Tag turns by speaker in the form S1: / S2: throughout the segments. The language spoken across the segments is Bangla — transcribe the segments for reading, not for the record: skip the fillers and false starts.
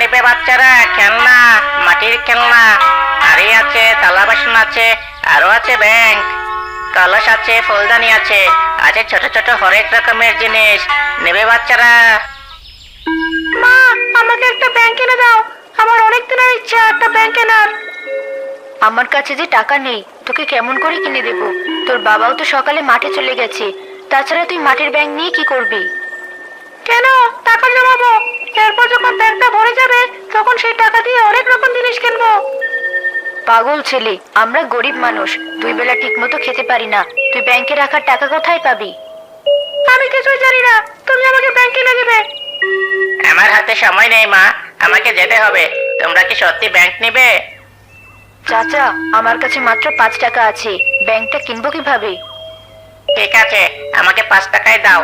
S1: নেবে বাচ্চারা খেলনা? মাটির খেলনা, হাড়ি আছে, থালা বাসন আছে, আরো আছে ব্যাংক, কলস আছে, ফুলদানি আছে, আছে ছোট ছোট হরেক রকমের জিনিস। নেবে বাচ্চারা?
S2: মা, আমাকে একটা ব্যাংক কিনে দাও। আমার অনেক দিনের ইচ্ছা একটা ব্যাংক কেনার।
S3: আমার কাছে যে টাকা নেই, তোকে কেমন করে কিনে দেব? তোর বাবাও তো সকালে মাঠে চলে গেছে। তাছাড়া তুই মাটির ব্যাংক নিয়ে কি করবি?
S2: কেন, টাকা জমাবো। এরপর যখন ব্যাংকটা ভরে যাবে তখন সেই টাকা দিয়ে অনেক রকম জিনিস কিনবো।
S3: পাগল ছেলে, আমরা গরিব মানুষ, দুই বেলা ঠিক মতো খেতে পারি না। তুই ব্যাংকে রাখার টাকা কোথায় পাবি?
S2: আমি কিছুই জানি না, তুমি আমাকে ব্যাংক কিনে দিবে।
S1: আমার হাতে সময় নেই মা, আমাকে যেতে হবে। তোমরা কি সত্যি ব্যাংক নিবে?
S3: চাচা, আমার কাছে মাত্র 5 টাকা আছে, ব্যাংকটা কিনবো কিভাবে?
S1: ঠিক আছে, আমাকে 5 টাকায় দাও।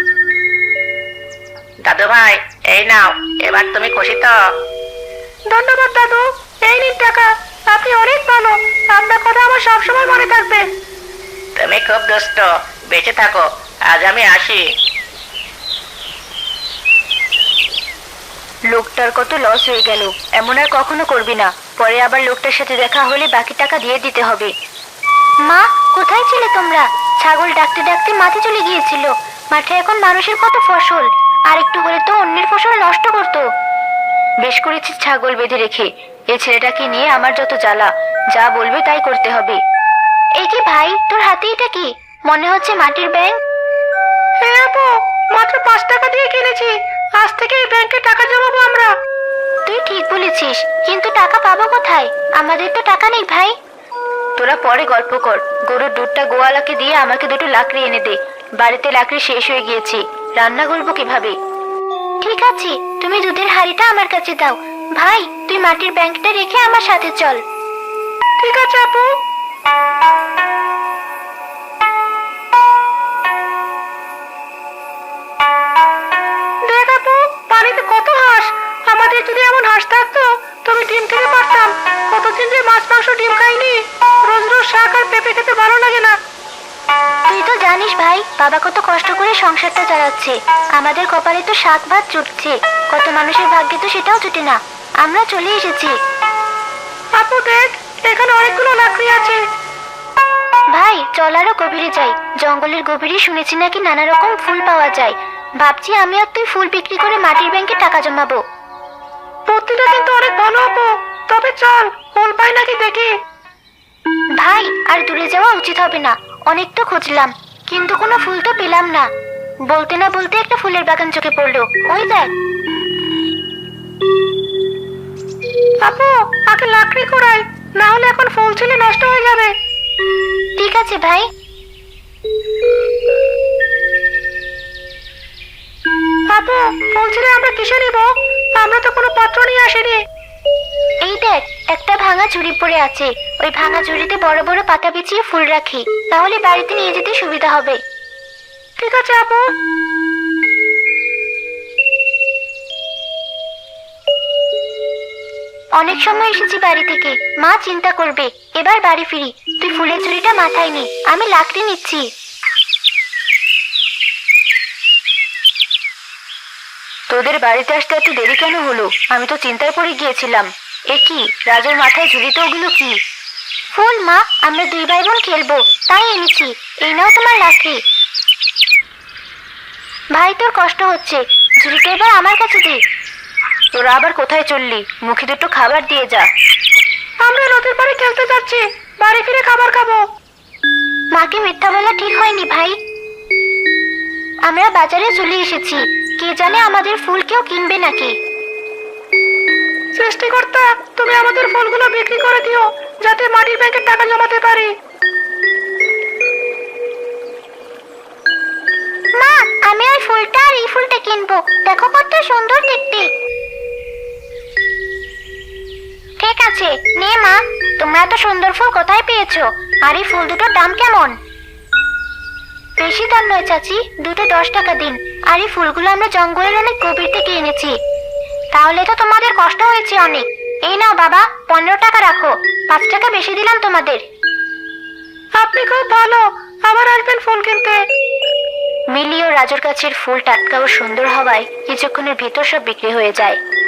S1: দাদু ভাই, এই নাও। এবার তুমি খুশি তো?
S2: ধন্যবাদ দাদু, এই নিন টাকা। আপনি অনেক ভালো, আপনার কথা আমার সবসময় মনে থাকবে।
S1: তুমি খুব দুষ্ট, বেঁচে থাকো। আজ আমি আসি।
S3: লোকটার কত লস হয়ে গেল। এমন আর কখনো করবি না। পরে আবার লোকটার সাথে দেখা হলে বাকি টাকা দিয়ে দিতে হবে। মা, কোথায় ছিলে তোমরা? ছাগল ডাকতে ডাকতে মাঠে চলে গিয়েছিল। মাঠে এখন মানুষের কত ফসল, আর একটু হলে তো অন্যের ফসল নষ্ট করতো। বেশ করেছিস ছাগল বেঁধে রেখে। এই ছেলেটাকে নিয়ে আমার যত জ্বালা। যা বলবে তাই করতে হবে। এই কি ভাই, তোর হাতে এটা কি? মনে হচ্ছে মাটির ব্যাংক।
S2: হ্যাঁ আপু, মাত্র 5 টাকা দিয়ে কিনেছি। আজ থেকে এই ব্যাংকে টাকা জমাবো আমরা।
S3: তুই ঠিক বলেছিস, কিন্তু টাকা পাবো কোথায়? আমাদের তো টাকা নেই ভাই। তোরা পরে গল্প কর। গরুর দুধটা গোয়ালাকে দিয়ে আমাকে দুটো লাকড়ি এনে দে। বাড়িতে লাকড়ি শেষ হয়ে গিয়েছে, রান্না করবো কিভাবে? ঠিক আছে, তুমি দুধের হাঁড়িটা আমার কাছে দাও। ভাই, তুই মাটির ব্যাংকটা রেখে আমার সাথে চল।
S2: ঠিক আছে আপু। দেখ আপু, পানিতে কত হাঁস। আমাদের যদি এমন হাঁস থাকতো তবে ডিম খেতে পারতাম। কতদিন যে মাছ মাংস ডিম খাইনি। রোজ রোজ শাক আর পেঁপে খেতে ভালো লাগে না।
S3: তুই তো জানিস ভাই, বাবা কত কষ্ট করে সংসারটা চালাচ্ছে। আমাদের কপালে তো শাক ভাত জুটছে, কত মানুষের ভাগ্যে তো সেটাও জুটে না। আমরা চলে এসেছি।
S2: আপু দেখ, এখানে অনেকগুলো লাকড়ি আছে।
S3: ভাই, চল আরো গভীরে যাই। জঙ্গলের গভীরে শুনেছি নাকি নানা রকম ফুল পাওয়া যায়। ভাবছি আমি আর তুই ফুল বিক্রি করে মাটির ব্যাংকে টাকা জমাবো।
S2: বুদ্ধিটা কিন্তু অনেক ভালো আপু। তবে চল, ফুল পাই নাকি দেখি।
S3: ভাই, আর দূরে যাওয়া উচিত হবে না। অনেক তো খুঁজলাম, কিন্তু কোনো ফুল তো পেলাম না। বলতে না বলতে একটা ফুলের বাগান চোখে পড়লো। ওই দেখ।
S2: আপু, আগে লাকড়ি কুড়াই, না হলে এখন ফুল ছিলে নষ্ট হয়ে যাবে।
S3: ঠিক আছে ভাই।
S2: আপু, ফুল ছিলে আমরা কিসে নিব? আমরা তো কোনো পাত্র নিয়ে আসিনি।
S3: এই দেখ, একটা ভাঙা ঝুড়ি পড়ে আছে। ওই ভাঙা ঝুড়িতে বড় বড় পাতা বিছিয়ে ফুল রাখি, তাহলে বাড়িতে নিয়ে যেতে সুবিধা হবে।
S2: ঠিক আছে আপু।
S3: অনেক সময় এসেছি বাড়ি থেকে, মা চিন্তা করবে। এবার বাড়ি ফিরি। তুই ফুলের ঝুড়িটা মাথায় নে, আমি লাকড়ি নিচ্ছি। তোদের বাড়িতে আসতে এত দেরি কেন হলো? আমি তো চিন্তায় পড়ে গিয়েছিলাম। এ কি, রাজুর মাথায় ঝুড়িতে ওগুলো কি? ফুল মা, আমরা দুই ভাই বোন খেলবো, তাই এনেছি। এই নাও তোমার লাকড়ি। ভাই, তোর কষ্ট হচ্ছে, ঝুড়িটা এবার আমার কাছে দে। তোরা আবার কোথায় চললি? মুখে দুটো খাবার দিয়ে যা।
S2: আমরা নদীর পাড়ে খেলতে যাচ্ছি, বাড়ি ফিরে খাবার খাবো।
S3: মাকে মিথ্যা বলা ঠিক হয়নি ভাই। আমরা বাজারে চলে এসেছি, কে জানে আমাদের ফুল কেউ কিনবে নাকি।
S2: সৃষ্টিকর্তা, তুমি আমাদের ফুলগুলো বিক্রি করে দিও, যাতে মাটির ব্যাংকে টাকা জমাতে পারি।
S3: মা, আমি ওই ফুলটা আর এই ফুলটা কিনবো। দেখো কত সুন্দর দেখতে। ঠিক আছে, নে মা। তোমরা এত সুন্দর ফুল কোথায় পেয়েছো? আর এই ফুল দুটোর দাম কেমন? বেশি দাম নয় চাচি, দুটো 10 টাকা দিন। আর এই ফুলগুলো আমরা জঙ্গলের অনেক গভীর থেকে এনেছি। তাহলে তো তোমাদের কষ্ট হয়েছে অনেক। এই নাও বাবা, 15 টাকা রাখো। 5 টাকা বেশি দিলাম তোমাদের।
S2: আপনি খুব ভালো, আবার আসবেন ফুল কিনতে।
S3: মিলি ও রাজুর গাছের ফুল টাটকা ও সুন্দর হওয়ায় কিছুক্ষণের ভিতর সব বিক্রি হয়ে যায়।